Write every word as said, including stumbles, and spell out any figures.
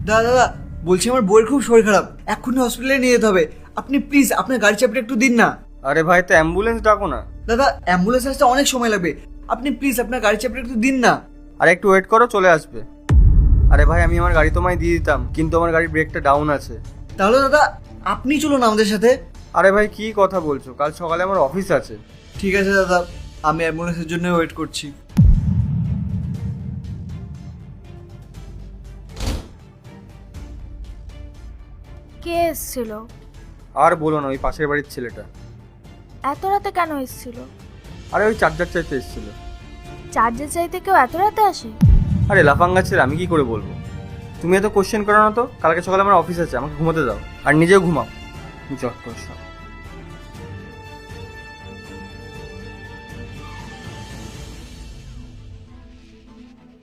দাদা দাদা বলছি আমার বউয়ের খুব শরীর খারাপ, এক্ষুনি হসপিটালে নিয়ে যেতে হবে। আপনি প্লিজ আপনার গাড়ি চাবিটা একটু দিন না। আরে ভাই, তো অ্যাম্বুলেন্স ডাকো না। দাদা অ্যাম্বুলেন্স আসতে অনেক সময় লাগবে, আপনি প্লিজ আপনার গাড়ি চাবিটা একটু দিন না। আরে একটু ওয়েট করো, চলে আসবে। আরে ভাই, আমি আমার গাড়ি তোমায় দিয়ে দিতাম, কিন্তু আমার গাড়ির ব্রেকটা ডাউন আছে। তাহলে দাদা আপনি চলুন আমাদের সাথে। আরে ভাই, কি কথা বলছো? কাল সকালে আমার অফিস আছে। ঠিক আছে দাদা, আমি অ্যাম্বুলেন্সের জন্য ওয়েট করছি। কে এসেছিল? আর বলো না, ওই পাশের বাড়ির ছেলেটা। এত রাতে কেন এসেছিল? আরে ওই চার্জার চাইতে এসেছিল। চার্জের চাইতে কেউ এত রাতে আসে? আরে লাফাঙ্গা ছেলে, আমি কি করে বলবো? তুমি এত কোশ্চেন করো না তো। কালকে সকালে আমার অফিস আছে, আমাকে ঘুমোতে দাও, আর নিজেও ঘুমাও। যত সব।